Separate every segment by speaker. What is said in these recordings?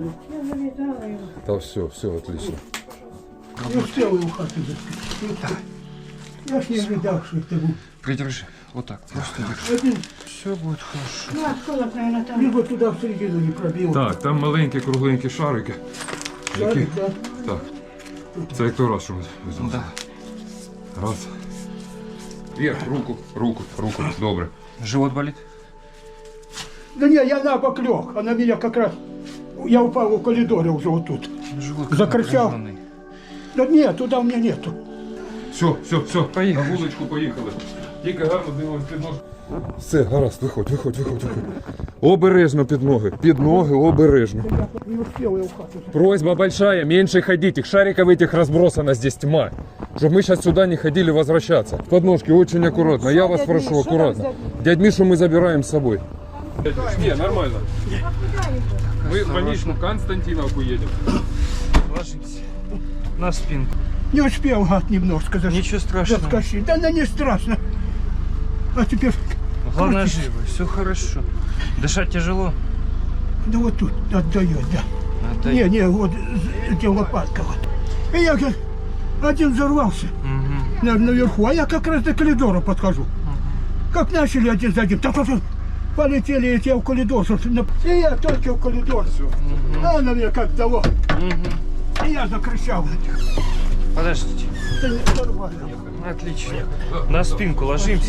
Speaker 1: Я завязала его.
Speaker 2: Да все, отлично.
Speaker 3: Не успел его в хату запить. Я ж не ожидал, что это будет.
Speaker 4: Придержи. Вот так. Просто держи.
Speaker 3: Один
Speaker 4: Все будет хорошо.
Speaker 1: Ну, откуда, наверное, там?
Speaker 3: либо туда в середину не пробил.
Speaker 2: Так, там маленькі кругленькі шарики.
Speaker 3: Шарик, да?
Speaker 2: Так. Це як той раз, що ми везли.
Speaker 4: Да.
Speaker 2: Раз. Вверх, руку. Добре.
Speaker 4: Живот болит?
Speaker 3: Да не, я на бок лег, а на меня как раз... Я упал в коридоре уже вот тут.
Speaker 4: Живот
Speaker 3: Закричал.
Speaker 4: напряженный.
Speaker 3: Да нет, туда у меня нету.
Speaker 2: Все.
Speaker 4: Поїхали.
Speaker 2: На вуличку поїхали. Тільки гарно дивимось під ноги. Все, гаразд, виходь. Обережно під ноги, обережно.
Speaker 3: Я не успел его в хату запить.
Speaker 2: Просьба большая, меньше ходить. Их шариков этих разбросано здесь тьма. Чтобы мы сейчас сюда не ходили возвращаться. Подножки очень аккуратно. Я вас прошу, аккуратно. Дядь Мишу мы забираем с собой. Не, нормально. Мы в больничную Константиновку едем.
Speaker 4: Ложись. На спинку.
Speaker 3: Не успел, гад, немножко
Speaker 4: Ничего страшного.
Speaker 3: заскочить. Да, не страшно. А теперь...
Speaker 4: Главное живо. Все хорошо. Дышать тяжело?
Speaker 3: Да вот тут отдает, да.
Speaker 4: Отдай.
Speaker 3: Не, вот где лопатка вот. И я как один взорвался наверху, а я как раз до коридора подхожу. Как начали один за одним, так вот полетели эти в коридор. И я только в коридор. А на меня как дало. И я закричал.
Speaker 4: Подождите.
Speaker 3: Да не, нормально.
Speaker 4: Отлично. На спинку ложимся.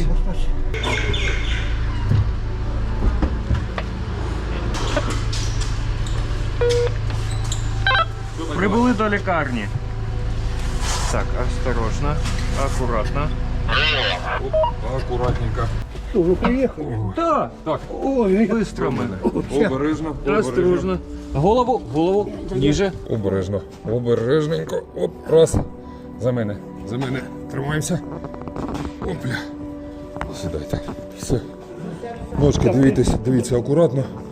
Speaker 4: Прибули до лікарні. Так, осторожно, акуратно.
Speaker 2: Аккуратненько.
Speaker 3: Что, вы приехали?
Speaker 4: Да,
Speaker 2: Так,
Speaker 3: Ой,
Speaker 4: быстро мы.
Speaker 2: обережно.
Speaker 4: Осторожно. Голову, ниже.
Speaker 2: Обережненько. Оп, раз. За мене. Тримаємося. Опля. Сідайте. Все. Ножки дивіться акуратно.